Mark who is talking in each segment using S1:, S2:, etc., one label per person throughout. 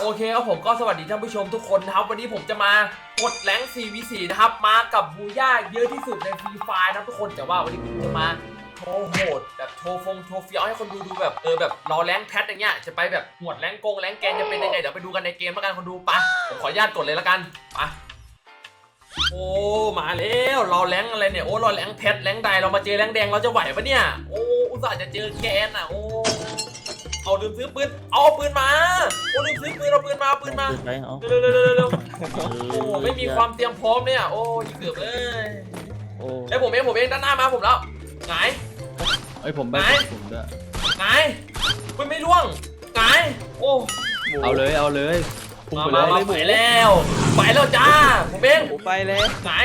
S1: โอเคครับผมก็สวัสดีท่านผู้ชมทุกคนนะครับวันนี้ผมจะมากดแรงค์ 4v4 นะครับมากับบูย่าเยอะที่สุดในฟรีไฟร์นะทุกคนแต่ว่าวันนี้ผมจะมาโชว์โหดแบบโชว์โชว์เฟี้ยวให้คนดูแบบแบบรอแรงค์แพทอย่างเงี้ยจะไปแบบหวดแรงค์แรงค์แกนจะเป็นยังไงเดี๋ยวไปดูกันในเกมแล้วกันคนดูปะผมขออนุญาตกดเลยแล้วกันปะโอ้มาแล้วรอแรงค์อะไรเนี่ยโอ้รอแรงค์แพทแรงค์ใดเรามาเจอแรงค์แดงเราจะไหวปะเนี่ยโอ้อุตส่าห์จะเจอแกนอ่ะโอ้เอาลืมซื้อปืนเอาปืนมาโอ้ลืมซื้อปืนเอาปืนมาเร็วโอ้ไม่มีความเตรียมพร้อมเนี่ยโอ้ยเกือบเลยไอ้ผมเองด้านหน้ามาผมแล้วไง
S2: ไอ้ผมไปผมด้วย
S1: ไงปืนไม่ร่วงไงโอ้
S2: เอาเลย
S1: มาไปแล้วจ้าผมเอง
S3: ไปเลย
S1: ไง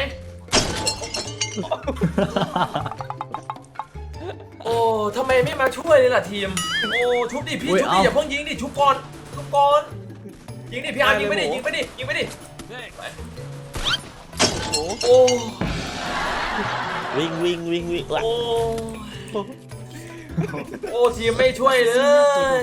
S1: โอ้ทำไมไม่มาช่วยเลยล่ะทีมโอ้ชุบดิพี่ชุบดิอย่าเพิ่งยิงดิชุบก่อนยิงดิพี่อาร์ยิงไปดิโอ้
S3: วิ่ง
S1: โอ้ทีมไม่ช่วยเลย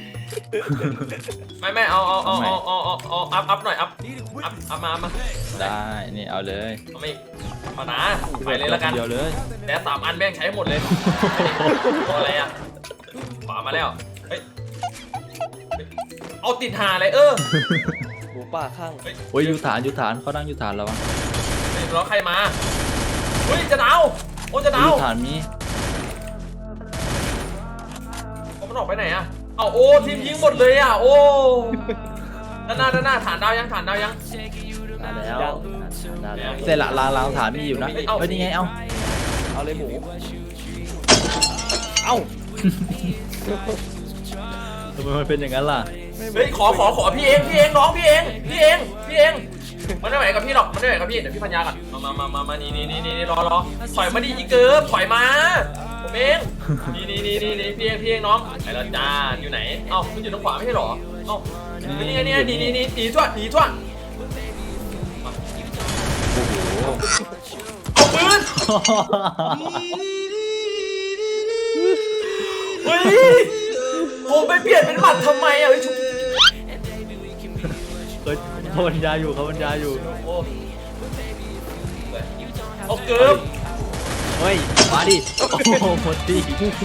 S1: ไม่เอาอัพหน่อยอัพมา
S2: ได้นี่เอาเลย
S1: มานะไปเลยละกัน
S2: เดียวเลย
S1: แต่3 อันแม่งใช้หมดเลยอะไรอ่ะขวามาแล้วเฮ้ยเอาติดหาเลย
S3: หมูป่าข้าง
S2: โอ้ยอยู่ฐานเขานั่งอยู่ฐานแล้วมั้ง
S1: แล้วใครมาเฮ้ยจะดาวโอ้จะดาว
S2: ฐานมี
S1: มันออกไปไหนอ่ะเอาโอ้ทีมยิงหมดเลยอ่ะโอ้ด้านหน้าฐานดาวยัง
S3: แล้ว
S2: เสร็จละลางฐานมีอยู่นะเฮ้ยนี่ไง
S3: เอาเลยหมู
S2: ทำไมมันเป็นอย่างนั้นล่ะ
S1: เฮ้ยขอพี่เองน้องพี่เองมันไม่ไหวกับพี่หรอกมันไม่ไหวกับพี่เดี๋ยวพี่พัญญาก่อนมานี่รอถอยมาดิอีเกิร์ฟถอยมาผมเองนี่พี่เองน้องไปแล้วจ้าอยู่ไหนเอ้ามันอยู่ตรงขวาไม่ใช่หรอเอ้านี่หนีทั่วเอาปืนเฮ้ยผมไปเปลี่ยนเป็นหมัดทำไมอ่ะ
S2: เขาบรรยายอยู่
S1: โอ้เกิร์ฟ
S2: เฮ้ยมาดิโอ้โหหมดดิ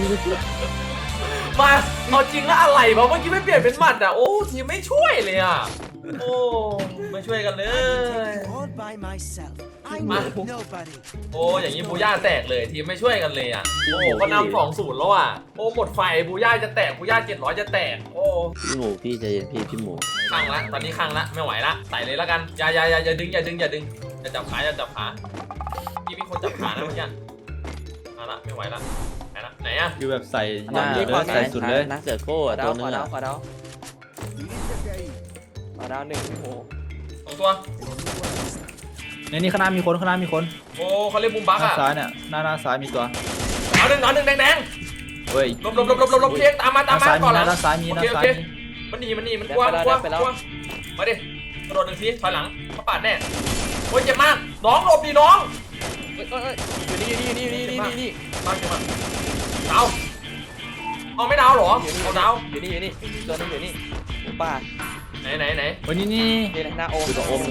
S1: มาเอาจริงแล้วอะไรเพราะเมื่อกี้ไม่เปลี่ยนเป็นหมัดอ่ะโอ้ทีมไม่ช่วยเลยอ่ะโอ้ไม่ช่วยกันเลยมาโอ้อย่างนี้บูย่าแตกเลยทีมไม่ช่วยกันเลยอ่ะโอ้ก็นำ2-0แล้วอ่ะโอ้หมดไฟบูย่าจะแตกบูย่า700จะแตกโอ้
S3: พี่ใจเย็นพี่หมู
S1: ข้างละตอนนี้ข้างละไม่ไหวละใส่เลยแล้วกันอย่าดึงอย่าจับขาพี่มีคนจับขานะเมื่อกี้เอาละไม่ไหวละไหนอ่ะ
S2: คือแบบใส่ใส่สุดเลย
S3: นักเสือโก้ตัวนึงขอดาว1พี่หมู
S1: 2 ตัว
S2: นี่ข้างหน้ามีคน
S1: โอ้เขาเรียกบุมบักอ่ะ
S2: ซ้ายเนี่ยหน้าซ้ายมีตัว
S1: เอาหนึ่งแดง
S2: เฮ้ย
S1: ลบเพียงตามมาก่อนละ
S2: ด้านซ้ายมี
S1: มันกว้างมาดิกระโดด1 ทีถอยหลังเขาปาดแน่โอ้ยเจ็บมากน้องหลบดิน้อง
S3: อยู่นี่
S1: มากดาวเอาไม่ดาวหรอเอาดาว
S3: อยู่นี่ตัวนึงอยู่นี่หมูป่า
S1: ไหน
S2: วันนี้
S3: หน้าโอม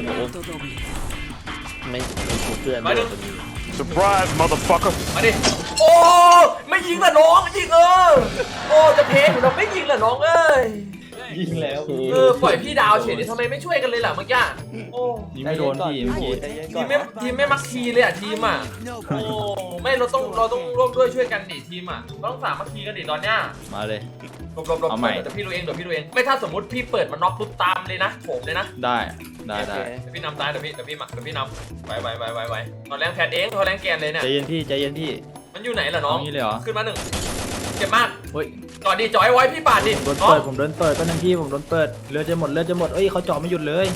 S3: ไม่ถูกเพื่อน
S4: Surprise motherfucker
S1: มาดิโอ้ไม่ยิงละน้องยิงโอ้จะเพลงเราไม่ยิงละน้อง
S2: ยิงแล้ว
S1: ปล่อยพี่ดาวเฉยทำไมไม่ช่วยกันเลยล่ะเมื่อกี้โอ้
S2: ยิงไม่โดนพี่
S1: ทีมไม่มักทีเลยอ่ะทีมอ่ะโอ้ไม่เราต้องร่วมด้วยช่วยกันดิทีมอ่ะต้องสามัคคีกันดิตอนเนี้ย
S2: มาเลย
S1: หลบเอาใหม่แต่พี่ดูเองไม่ถ้าสมมติพี่เปิดมันน็อกปุ๊บตามเลยนะโผมเลยนะ
S2: ได้
S1: พี่นำตายเดี๋ยวพี่นำไวตอนแรงแพดเองตอนแรงแกนเลยเนี่ย
S2: ใจเย็นพี่
S1: มันอยู่ไหนล่ะน้อง
S2: นี่เลยเหรอ
S1: ขึ้นมา1เจ็บมาก
S2: เฮ้ย
S1: จอดดิจอยไว้พี่ปาดดิ
S2: ผมโดนเปิดก็นั่งพี่ผมโดนเปิดเรือจะหมดเอ้ยเขาจ่อไม่หยุดเลย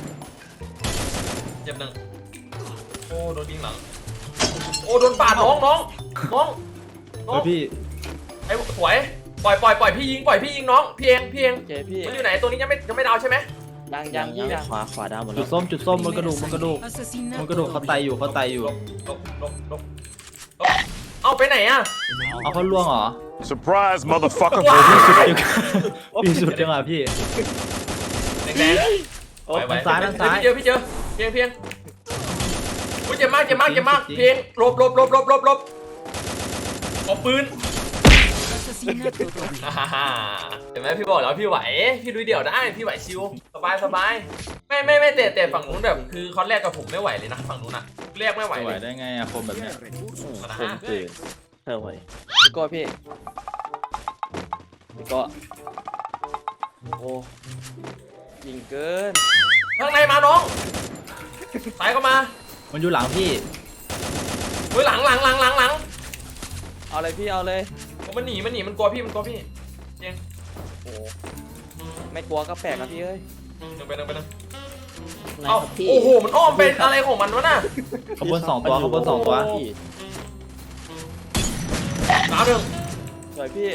S1: เจ็บ1โอ้โดนยิงหลังโอ้โดนปาดน้อง
S2: พี่
S1: ไอ้สวยปล่อยพี่ยิงน้องพี่เองมันอยู่ไหนตัวนี้ยังไม่ดาวใช่ไหม
S3: ยังขวาดาวหมดแล้ว
S2: จุดส้มบนกระดูกเขาไตอยู่
S1: ลบเอาไปไหนอ่ะ
S2: เอาเขาล่วงเหรอ
S4: Surprise motherfucker
S2: พี่สุดจังอ่ะพี่
S1: ไหนแดงๆไหว
S2: ซ้ายด้านซ้าย
S1: พี่เจอเพียงโอ้ยเจ็บมากเพียงหลบเอาปืนเห็นไหมพี่บอกแล้วพี่ไหวพี่ลุยเดี่ยวได้พี่ไหวชิวสบายไม่เตะฝั่งนู้นแบบคือคอนแรกกับผมไม่ไหวเลยนะฝั่งนู้นอะเรียกไม่ไหว
S2: ไหว
S1: เลย
S2: ได้ไงอะคมแบบเนี้ย
S3: ผมตื่นเธอไหวพี่โก้พี่โก้โอ้ยิงเกิน
S1: ข้างในมาน้องสายเข้ามา
S2: มันอยู่หลังพี่
S1: เฮ้ยหลัง
S3: เอาเลยพี่เอาเลย
S1: มันหนีมันกลัวพี่เจง
S3: โอ้ไม่กลัวก็แปลกนะพี่เอ้ย
S1: นึงไปเอ้าโอ้โหมันอ้อมเป็นอะไรของมันวะน่ะ
S2: ขบวนสองตัว
S3: พี่
S1: ดาวหนึ่ง
S3: สวยพี่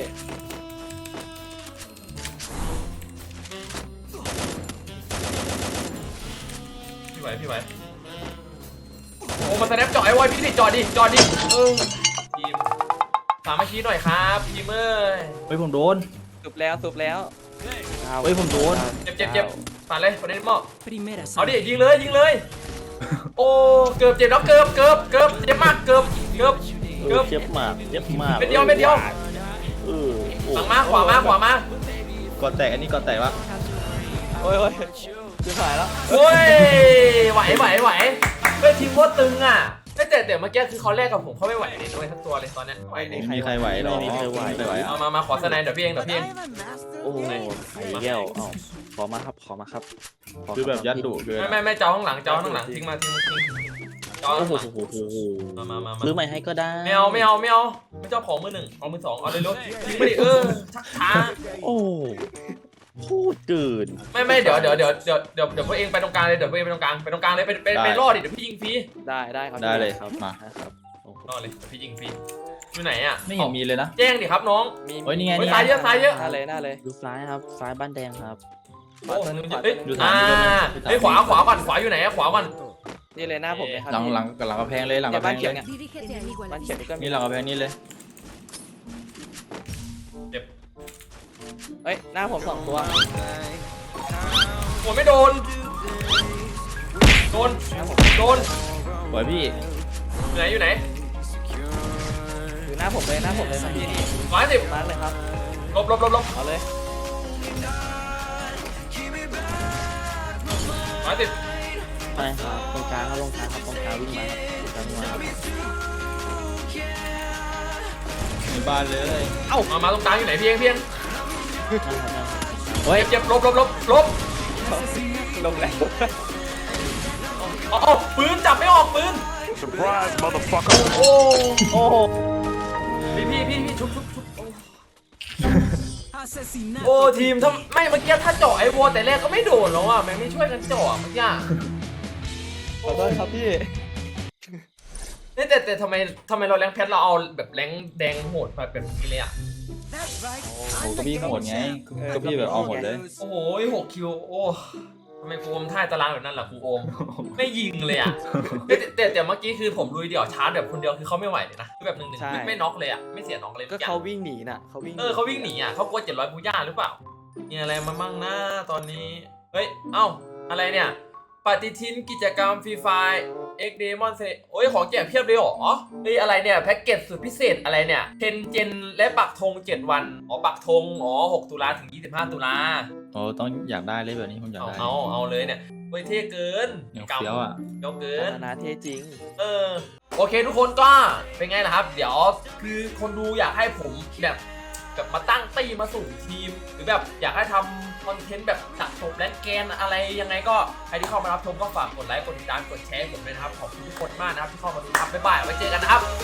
S1: พี่ไหวโอ้มาสแนปจ่อไอ้วอยพี่ดิจอดดิทีมสามัคคีหน่อยครับทีมเอ้ย
S2: เฮ้ยผมโดน
S3: สุบแล้ว
S2: เฮ้ยผมโดน
S1: เจ็บผ่านเลยประเด็นหม้อเอาดิยิงเลยโอ้เกือบเจ็บแล้วเกือบเจ็บมากเกือบ
S3: เจ็บมาก
S1: เม็ดเดียวหลังมาขวามา
S2: ก่อนแตกอันนี้ก่อนแตกวะ
S3: โอ้ยจะหายแล้ว
S1: โอ้ยไหวเฮ้ยทีมโคตรตึงอ่ะแต่เมื่อกี้คือเขาแรกกับผมเขาไม่ไหวเลยด้วยทั้งตัวเลยตอนเนี้ย
S2: ไม่มีใครไหวหรอ
S3: ไม่มีใครไหว
S1: เอามาขอสไนด์เดี๋ยวพี่เอง
S3: โอ้ไข่แก้วขอมาครับ
S2: คือแบบยัดดุเกิน
S1: ไม่เจ้าข้างหลังทิ้งมาทิ้งเจ้าข้างหลังมา
S3: ซื้อใหม่ให้ก็ได้
S1: ไม่เอาไม่เจ้าของมือหนึ่งเอามือสองเอาเลยรถทิ้งไปดิชักช้า
S3: โอ้พูดเกิน
S1: ไม่เดี๋ยวพวกเองไปตรงกลางเลยเดี๋ยวพวกเองไปตรงกลางเลยไปรอดดิเดี๋ยวพี่ยิงฟรี
S3: ได้ครับ
S2: ได้เลยครับมา
S3: ครับ
S1: รอดเลยพี่ยิงฟรีอยู่ไหนอ่ะ
S2: ไม่เห็นมีเลยนะ
S1: แจ้งดิครับน้อง
S2: เฮ้ยนี่ไง
S1: ซ้ายเยอะ
S3: หน้าเลยดูซ้ายครับซ้ายบ้านแดงครับ
S1: เฮ้ยขวาก่อนขวาอยู่ไหนขวาก่อน
S3: นี่เลยหน้าผมเลยครับ
S2: หลังกระแพงเลยหลังกระแพ
S3: บ้าน
S2: ง
S3: เขียว
S2: เลย
S3: เนี่ยบ้านเขียวนี่ก็มี
S2: นี่หลังกระแพงนี่เลย
S3: เฮ้ยหน้าผม2 ตัว
S1: โอ้ไม่โดน
S2: สวยพี่
S1: อยู่ไหน
S3: อยู่หน้าผมเลยครับพี่นี่
S1: 110
S3: มาเลยครับ
S1: ลบ
S3: เอาเลย
S1: 110
S3: ไปครับตรงกลางครับตรงกลางวิ่งมาครับ
S2: ในบ้านเลย
S1: มาตรงกลางอยู่ไหนเพียง
S2: เฮ้ย
S1: เจ็บลบ
S3: ลงแล้ว
S1: อ๋อปืนจับไม่ออกปืน
S4: Surprise, motherfucker.
S1: โอ้
S3: โอ้โห
S1: พี่ชุบโอ้ทีมถ้าไม่เมื่อกี้ถ้าเจาะไอ้วัวแต่แรกก็ไม่โดนแล้วอ่ะแม่งไม่ช่วยกันเจาะเมื่อกี้
S3: ขอโทษครับพี่
S1: แต่ทำไมเราแรงแพทเราเอาแบบแรงแดงโหดแบบนี้เลยอ่ะ
S2: โอ้ก็พี่โหดไงก็พี่แบบเอาหมดเลย
S1: โอ้โห6 คิวโอ้ทำไมกูอมท่ายตารางแบบนั้นล่ะกูอมไม่ยิงเลยอ่ะแต่เมื่อกี้คือผมลุยเดี่ยวชาร์จแบบคนเดียวคือเขาไม่ไหวเลยนะคือแบบ1-1ไม่น็อกเลยอ่ะไม่เสียน็อกเลย
S3: ก็เขาวิ่งหนีน่ะเขาวิ่ง
S1: เขาวิ่งหนีอ่ะเขากลัว700บูย่าหรือเปล่ามีอะไรมามั่งนะตอนนี้เฮ้ยเอ้าอะไรเนี่ยปฏิทินกิจกรรมฟรีไฟเอ็กเดมอนเซโอ้ยของแจกเพียบเลยเหรอเฮ้ยอะไรเนี่ยแพ็กเกจสุดพิเศษอะไรเนี่ยเทนเจนและปักธง7 วันปักธง6 ตุลาถึง25 ตุลา
S2: โอ้ต้องอยากได้เลยแบบนี้ผมอยากได้
S1: เอาเลยเนี่ยเฮ้ยเท่เกิน
S2: เฟี้ยวอ่ะ
S1: เฟี้ยวเกิน
S3: นาเท่จริง
S1: โอเคทุกคนก็เป็นไงล่ะครับเดี๋ยวคือคนดูอยากให้ผมแบบมาตั้งตีมาสู่ทีมหรือแบบอยากให้ทำคอนเทนต์แบบสะสมและแกนอะไรยังไงก็ใครที่เข้ามารับชมก็ฝากกดไลค์กดติดตามกดแชร์ผมด้วยนะครับขอบคุณทุกคนมากนะครับที่เข้ามาดูครับบ๊ายบายไว้เจอกันนะครับ